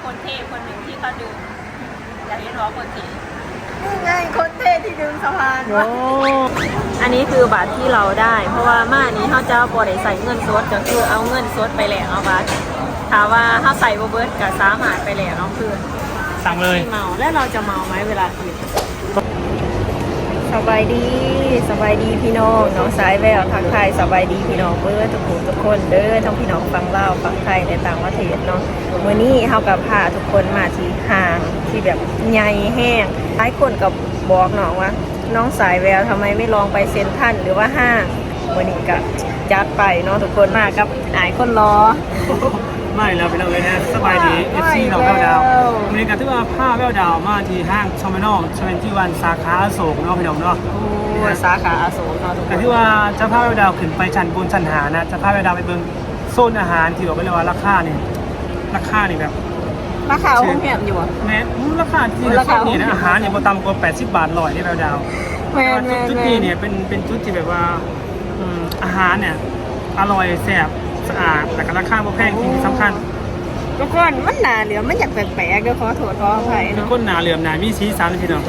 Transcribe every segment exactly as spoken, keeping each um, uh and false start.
คนเท่คนหนึ่งที่เขาดึงอยากเห็นว่าคนเท่นี่ไงคนเท่ที่ดึงสะพานวะอันนี้คือบัตรที่เราได้เพราะว่ามานี้เขาจะบอได้ใส่เงินสดก็คือเอาเงินสดไปแหลกเอาบัตรถามว่าเขาใส่โบเบิร์ตกับสามารถไปแหลกเอาคือสั่งเลยเมาแล้วเราจะเมาไหมเวลากินสบายดีสบายดีพี่น้องน้องสายแววทักทายสบายดีพี่น้องเบิร์ทุกคนทุกคนเด้อทั้งพี่น้องฟังเล่าฟังไทยในต่างประเทศเนาะวันนี้เฮากับพาทุกคนมาที่ห้างที่แบบใหญ่แห้งหลายคนกับบอกน้องว่าน้องสายแววทำไมไม่ลองไปเซ็นทรัลหรือว่าห้างวันนี้ก็จัดไปเนาะทุกคนมากับหลายคนรอไม่เราไปเราเลยนะสบายดีเอฟซีเราแววดาววันนี้กันที่ว่าผ้าแววดาวมาที่ห้างชอมเมนอลชเวนตี้วันสาขาอโศกเนาะพี่น้องเนาะสาขาอโศกเนาะแต่ที่ว่าจะผ้าแววดาวขึ้นไปชั้นบนชั้นหานะจะผ้าแววดาวไปเบิ่งโซนอาหารที่บอกไปเลยว่าราคาเนี่ยราคานี่แบบราคาห้องแหมอยู่อ่ะแม้ราคาที่ราคาเนี่ยอาหารเนี่ยบ่ต่ำกว่าแปดสิบบาทลอยที่แววดาวจุดนี้เนี่ยเป็นเป็นจุดที่แบบว่าอาหารเนี่ยอร่อยแซ่บสะอาดแต่ก็ราคาบ่แพงที่สำคัญทุกคนมันหนาเหลือมันอยากแปลกๆก็ขอโทษขออภัยเนาะคนหนาเหลือมหนามีสีสันพี่น้อง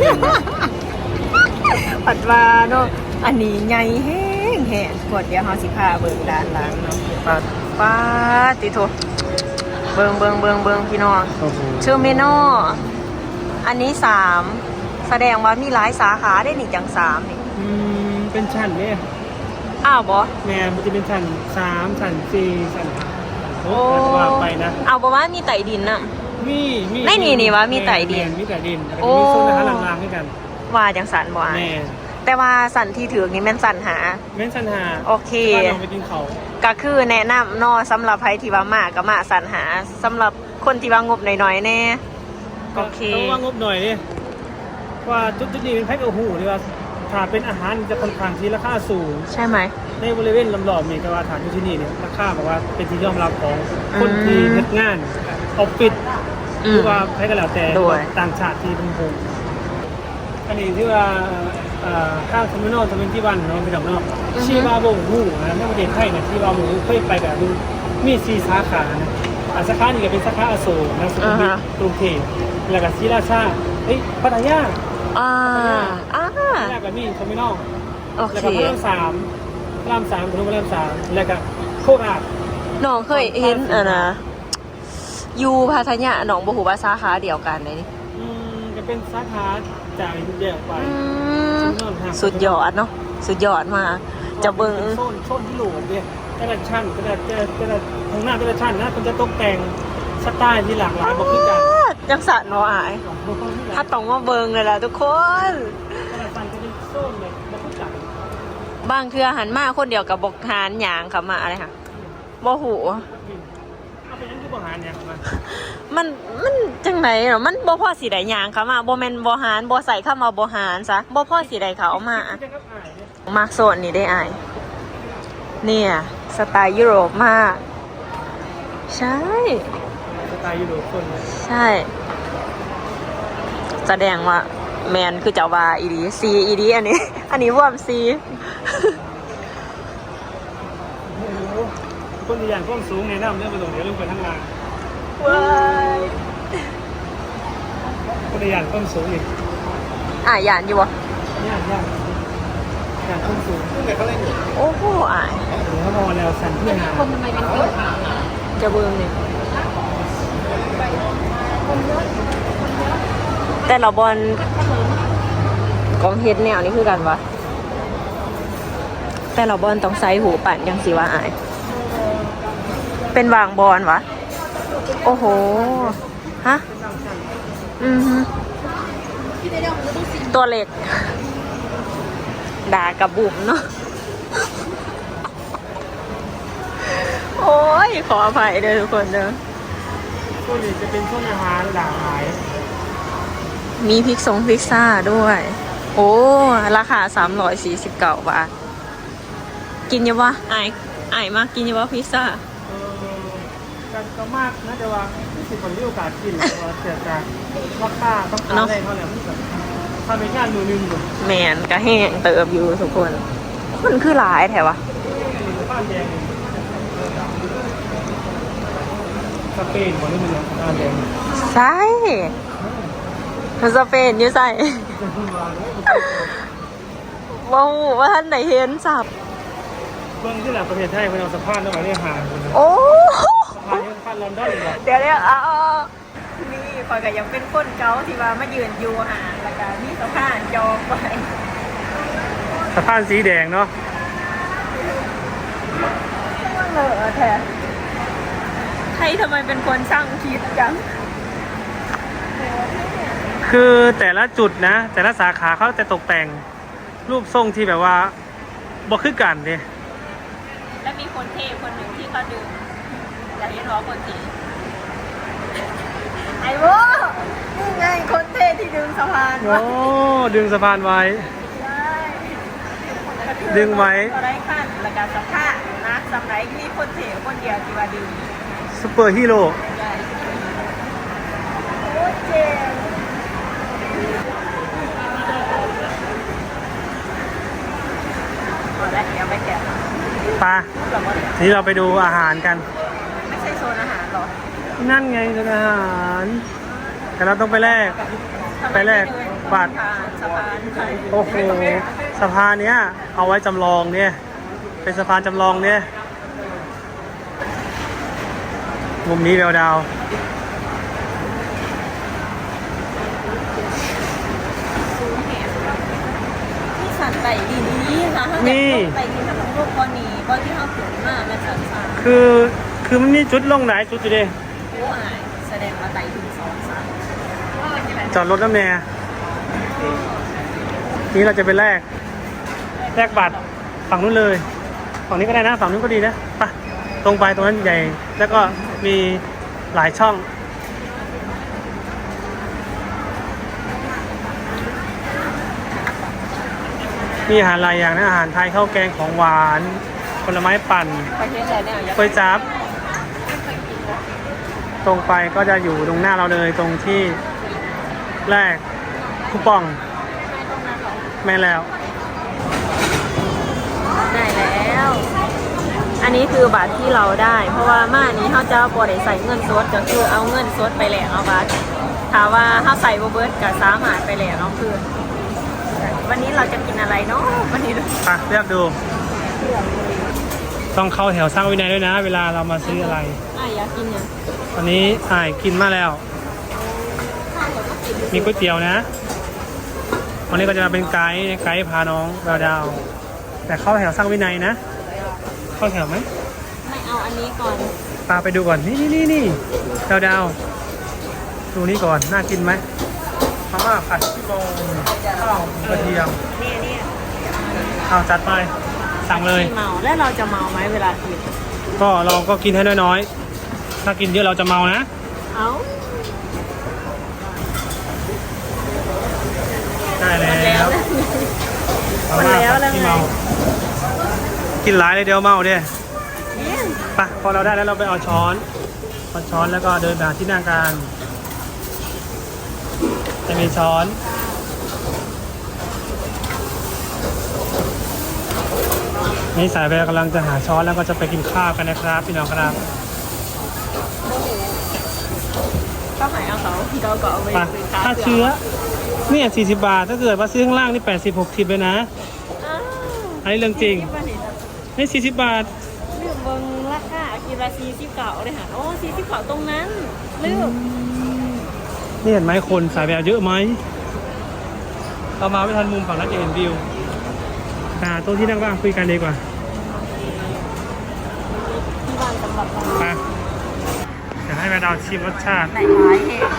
ปัดว่าเนาะอันนี้ใหญ่แห้งแห้งกดเดี๋ยวเฮาสิพาเบิ่งด้านหลังเนาะปัดป้าติโทเบิ่งเบิ่งเบิ่งเบิ่งพี่น้องชื่อเมนูอันนี้สามแสดงว่ามีหลายสาขาได้นี่จังสามนี่อืมเป็นชั้นเนี่ยอ้าวบ่แม่มันจะเป็นชั้นสามชั้นสี่ชั้นโอ้ว่าไปนะเอาบ่ว่ามีไต่ดินน่ะมีมีไม่นี่นี่ว่ามีไต่ดินมีไต่ดินโอ้มีโซนอาหารล่างๆด้วยกันว่าจังสันบ่แม่แต่ว่าสันที่ถือนี่แม่นสันหาแม่นสันหาโอเคลองไปกินเขาก็คือแนะนำเนาะสำหรับใครที่ว่ามาก็มาสันหาสำหรับคนที่ว่างบหน่อยๆแน่โอเคต้องว่างบหน่อยดิว่าจุดๆนี้เป็นแพ็คโอ้โหหรือว่าถ้าเป็นอาหารจะค่อนข้างที่ราคาสูงใช่ไหมในบริเวณลำรอบนี่ก็ว่าฐานที่นี่เนี่ยราคาบอกว่าเป็นที่ยอมรับของคนที่เฮ็ดงานออฟฟิศหรือว่าใครก็แล้วแต่ต่างชาติที่เป็นผมอันนี้ที่ว่าข้างเทอร์มินอลทเวนตี้วันเนาะเป็นดอกนอกชีวาโบหูนะในประเทศไทยเนี่ยชีวาโบหูเคยไปกับดูมีสี่สาขานะสาขานี่ก็เป็นสาขาอโศกนะสุขุมวิทกรุงเทพแล้วก็ศรีราชาเฮ้ยพัทยาอ่าอ่าแล้วก็มีเทอร์มินอลโอเคแล้วก็พระรามสามพระรามสามพระรามสามแล้วก็โคราชน้องเคยเห็นอ่ะนะอยู่พัทยาหนองบัวหูว่าสาขาเดียวกันเลยนี่อืมจะเป็นสาขาจากเดียวไปสุดยอดเนาะสุดยอดมากจะเบิ้งโซนโซนที่หลูเนี่ยแต่ละชั้นแต่ละแต่ละทางหน้าแต่ละชั้นนะมันจะตกแต่งสไตล์ที่หลากหลายบอกคือกันยังสั่นเนาะอายถ้าต้องมาเบิ้งเลยล่ะทุกคนแต่ละชั้นจะเป็นโซนเลยบอกคือกันบางเทื่อหันมาคนเดียวกับบกหานหยางเขามาอะไรค่ะบ่หูเอาไปยังคือบ่หานหยางมามันมันจังไหนเนาะมันบ่พ่อสีใดหยางเขามาบ่แม่นบ่หานบ่ใส่เข้ามาบ่หานซะบ่พ่อสีใดเขาเอามามาโซนนี่ได้อายเนี่ยสไตล์ยุโรปมากใช่สไตล์ยุโรปคนใช่แสดงว่าแมนคือเจ้าว่าอีดีซีอีดีอันนี้อันนี้ว่ามซีคนที่อย่างก้มสูงในน้ำเรื่องไปตรงเดี๋ยวลงไปทั้งลานว้ายคนที่อย่างก้มสูงอีกอ่ะยานอยู่วะยานยานยานก้มสูงโอ้โหอ่ะเดี๋ยวเขามองแล้วสั่นเพื่อนหาคนทำไมเป็นคนจะเบิ่งเนี่ยแต่เราบอลกองเฮ็ดแนวนี่คือกันวะแต่เราบอลต้องใส่หูปั่นยังสิว่าอายเป็นวางบอลวะโอ้โหฮะอือฮึตัวเล็กด่ากับบุ๋มเนาะโอ้ยขออภัยเด้อทุกคนเด้อพวกนี้จะเป็นพวกอาหารหลากหลายมีพริกทรงพริกซ่าด้วยโอ้ราคาสามร้อยสี่สิบเก้าบาทกินยังวะไอ้ไอ้มากกินยังวะพิซซ่าเออกันก็มากนะแต่ว่าที่สิบคนมีโอกาสกินว่าเสียจากราคาต้องการอะไรเขาเนี่ยทำเป็นงานมือหนึ่งเลยแมนก็แห้งเติบอยู่ทุกคนคนคือหลายแถววะบ้านแดงสเปนคนนี้มันบ้านแดงสใช่สเปนอยู่ใส่ ว้าวว่าท่านไหนเห็นสับเบื้องที่หลังประเทศไทยเป็นเอาสะพานแล้วมาเรียกหาคนนะโอ้สะพานนี้สะพานลอนดอนอีกเหรอเดี๋ยวเดี๋ยวเอานี่คอยก็ยังเป็นคนเก่าที่ว่ามายืนอยู่หาแล้วก็มีสะพานจองไปสะพานสีแดงเนาะเลอะแท้ใครทำไมเป็นคนสร้างคิดจังคือแต่ละจุดนะ แต่ละสาขาเขาจะตกแต่งรูปทรงที่แบบว่าบ่คือกันเด้และมีคนเทคนหนึ่งที่เขาดึงอยากเห็นว่าคนเทไอ้โว้นี่ไงคนเทที่ดึงสะพานโอ้ดึงสะพานไว้ใช่ดึงไว้อะไรขั้นแล้วก็สะพานนะสำหรับมีคนเทคนเดียวที่ว่าดึงซูเปอร์ฮีโร่ใช่โอ้เจ๋งพอแล้วเดี๋ยวไปแกะปลาทีนี้เราไปดูอาหารกันไม่ใช่โซนอาหารหรอนั่นไงร้านอาหาร แต่เราต้องไปแลก ไปแลกบัตรสะพานไทยโอ้โหสะพานเนี้ยเอาไว้จำลองเนี่ย เป็นสะพานจำลองเนี่ยมุมนี้แววดาวนี่สันไต่ดีนี้ค่ะถ้าเกิดไต่ดีถ้าของโลกกรณีก็ที่เขาถึงมากมันสันสาคือคือมันมีจุดลงไหนจุดอยู่ดิโอ้อายแสดงว่าไต่ถึงสองสามจอดรถน้ำแน่นี้เราจะไปแลกแลกบัตรฝั่งนู้นเลย ฝั่งนี้ก็ได้นะ ฝั่งนู้นก็ดีนะไปตรงไปตรงนั้นใหญ่ แล้วก็มีหลายช่อง มีอาหารหลายอย่างนะอาหารไทยข้าวแกงของหวานผลไม้ปั่นไปเห็นอะไรเนี่ยก๋วยจั๊บตรงไปก็จะอยู่ตรงหน้าเราเลยตรงที่แรกคูปองแม่แล้วได้แล้ว อันนี้คือบัตรที่เราได้ เพราะว่ามานี้เขาจะบริใส่เงินสดก็คือเอาเงินสดไปแหลกเอาบัตรถามว่าเขาใส่โบเบิร์ตกับสามารถไปแหลกเอาคือวันนี้เราจะกินอะไรเนาะวันนี้ไปเลือกดู ต้องเข้าแถวสร้างวินัยด้วยนะ เวลาเรามาซื้ออะไรอ่ะอยากกินเนี่ยวันนี้อ่ายกินมาแล้ว มีก๋วยเตี๋ยวนะ วันนี้ก็จะมาเป็นไกด์ไกด์พาน้องดาวดาว แต่เข้าแถวสร้างวินัยนะ เข้าแถวไหมไม่เอาอันนี้ก่อนพาไปดูก่อน นี่นี่นี่นี่ดาวดาวดูนี่ก่อน น่ากินไหมมาม่าผัดขี้โมงข้าวกระเทียมเนี่ยเนี่ยเอาจัดไป สั่งเลยเมาแล้วเราจะเมาไหมเวลากินก็เราก็กินให้น้อยๆ ถ้ากินเยอะเราจะเมานะเอาได้แล้วหมดแล้วแล้วที่ไงเมากินหลายเลยเดียวเมาเด้เนี่ยไปพอเราได้แล้วเราไปเอาช้อนเอาช้อนแล้วก็เดินไปหาที่นั่งกันจะมีช้อนนี่สายแววกำลังจะหาช้อนแล้วก็จะไปกินข้าวกันนะครับพี่น้องครับก็หายเอาเขาที่เราก็เอาไปไปค่าเชื้อเนี่ยสี่สิบบาทถ้าเกิดว่าซื้อข้างล่างนี่แปดสิบหกสิบเลยนะอ้าวอันนี้เรื่องจริงนี่สี่สิบบาทลืมเบิ้งราคากิโลสี่สิบเก้าเลยค่ะโอ้สี่สิบเก้าตรงนั้นลืมนี่เห็นไหมคนสายแววเยอะไหมเรามาไม่ทันมุมฝั่งนั้นจะเห็นวิวอ่าโต๊ะที่นั่งว่างคุยกันดีกว่าที่บ้านสำหรับเราไปเดี๋ยวให้แม่ดาวชิมรสชาติไหนร้ายเหตุ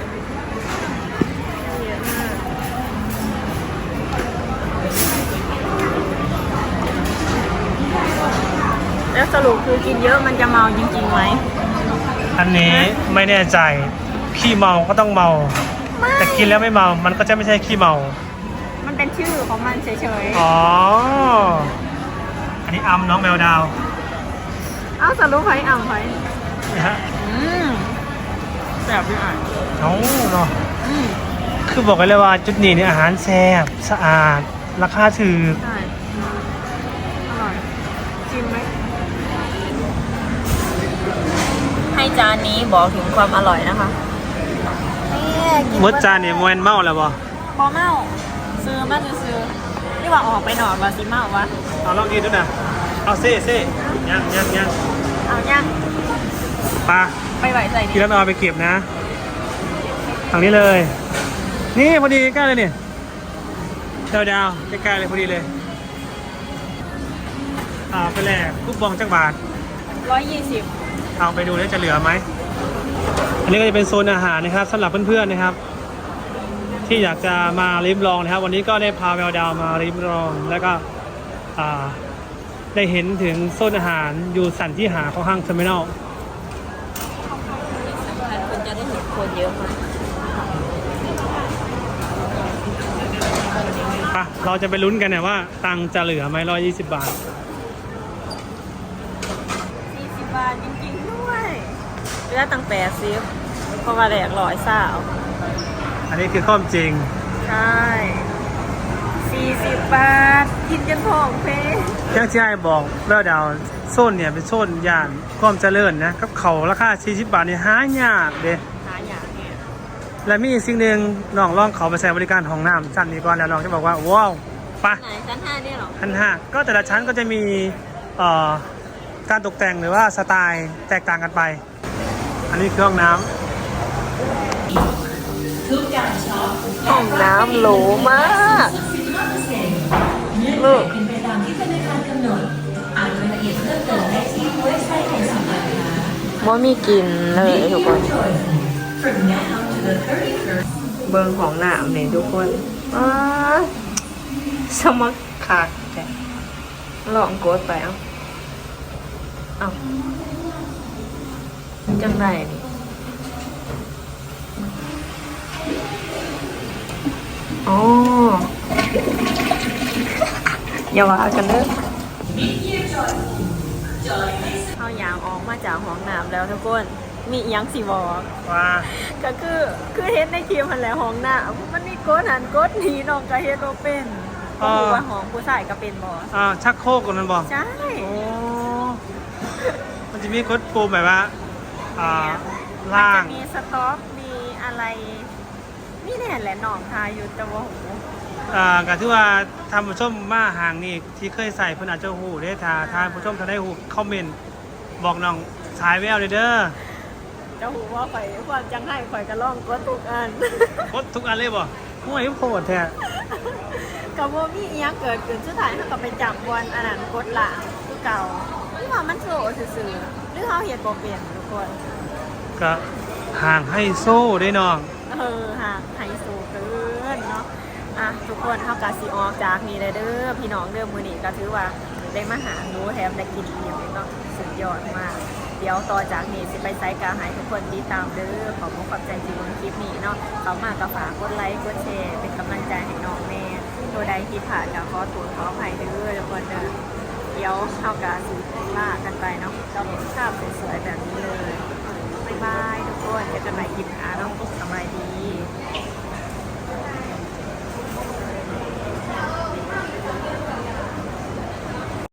แล้วสรุปคือกินเยอะมันจะเมาจริงๆไหมอันนี้ไม่แน่ใจขี้เมาก็ต้องเมา แต่กินแล้วไม่เมา มันก็จะไม่ใช่ขี้เมามันเป็นชื่อของมันเฉยอ๋อ อันนี้อัมน้องแมวดาวๆ เอ้าสรุปไผ่อ่ำไผ่นี่ฮะอืมแซ่บด้วยอ่ะเอ้าเนาะอืมคือบอกกันเลยว่าจุดนี้เนี่ยอาหารแซ่บสะอาด ราคาถูกใช่อร่อยชิมไหมให้จานนี้บอกถึงความอร่อยนะคะนี่กินมดจานเนี่ยมวนเมาแล้วบ่บอเมาซื้อมาซื้อนี่ว่าออกไปหนอนว่าสิเมาวะเอาลองกินดูนะเอาเซ่เซ่ยังยังยังเอายังปลาไปไหวใส่กินี่นแล้วเอาไปเก็บนะทางนี้เลย นี่พอดีใกล้เลยเนี่ยดาวดาวใกล้ๆเลยพอดีเลยเอาไปแลกคูปองจักบาทร้อยยี่สิบเอาไปดูแล้วจะเหลือไหมอันนี้ก็จะเป็นโซนอาหารนะครับสำหรับเพื่อนๆนะครับ ที่อยากจะมาริมลองนะครับ วันนี้ก็ได้พาแววดาวมาริมลอง แล้วก็อ่าได้เห็นถึงโซนอาหารอยู่สันที่หาของห้างเทอร์มินอลคุณจะได้เห็นคนเยอะมากปะเราจะไปลุ้นกันเนี่ยว่าตังค์จะเหลือไหมร้อยยี่สิบบาทสี่สิบบาทจริงๆด้วยเหลือตั้งแปดสิบเพราะว่าแหลกร้อยสาวอันนี้คือข้อมจริงใช่สี่สิบบาทกินจนท้องเพลอย่างที่ไอ้บอกแววดาวโซนเนี่ยเป็นโซนย่านความเจริญนะกับเขาราคาสี่สิบบาทนี่หายากเด้หาอย่างเนี่ยและมีอีกสิ่งหนึ่งน้องลองเขาไปใช้บริการห้องน้ำชั้นนี้ก่อนแล้วน้องจะบอกว่าว้าวไปะไหนชั้นห้าเนี่ยเหรอชั้นห้าก็แต่ละชั้นก็จะมีเอ่อการตกแต่งหรือว่าสไตล์แตกต่างกันไป อันนี้คือห้องน้ำห้องน้ำหรูมากลูกว่ามีกินเลยทุกคนเบิงของหนามเนี่ยทุกคนอ้าสมัครขาดแกลองกดไปเอ้าเอ้าจังไรนี่อ๋ออย่าว่ากันเด้อเอายางออกมาจากห้องน้ำแล้วทุกคนมีอิหยังสิบอกว่าก็คือคือเฮ็ดในคลิปมันแหละห้องน้ำมันมีกดหันกดหนีน้องก็เฮ็ดบ่เป็นก็รู้ว่าห้องผู้ชายก็เป็นบ่อ่าชักโครกกันมันบอกใช่โอ้มันจะมีกดปุ่มแบบว่าอ่ามันล่าจะงมีสต็อกมีอะไรนี่แน่แหละน้องทายอยู่แต่ว่าโหอ่าก็ที่ว่าทำผู้ชมมาห่างนี่ที่เคยใส่เพิ่นอาจจะหูได้ทาทานผู้ชมทาได้หูคอมเมนต์บอกน้องสายแววเลยเด้อจะหูว่าข่อยความจังให้ข่อยก็ลองกดทุกอันกดทุกอันเลยบ่ห่วยโคตรแท้ก็บ่มีอีหยังเกิดขึ้นสุดท้ายเฮาก็ไปจับบอลอันนั้นกดหลังคือเก่าหรือว่ามันโซซื่อๆหรือเฮาเฮ็ดบ่เป็นทุกคนก็ห่างให้โซ่ได้น้องเออหากไฮโซเกินเนาะอ่ะทุกคนเฮากะสิออกจากนี่เลยเด้อพี่น้องเด้อมื้อนี้ก็ถือว่าได้มาหาหนูแถมได้กินอิ่มเนาะสุดยอดมาก เดี๋ยวต่อจากนี้สิไปไซต์กาหายทุกคนติดตามเด้อขอบคุณขอบใจที่เบิ่งคลิปนี้เนาะเขามาก็ฝากกดไลค์กดแชร์เป็นกำลังใจให้น้องแม่ตัวใดที่ผ่านก็ขอตัวขออภัยเด้อทุกคนเด้อเดี๋ยวเฮากะสิลากันไปเนาะก็เป็นภาพสวยๆแบบนี้เลยบ๊ายบายทุกคนเจอกันใหม่คลิปหน้าเนาะสบายดี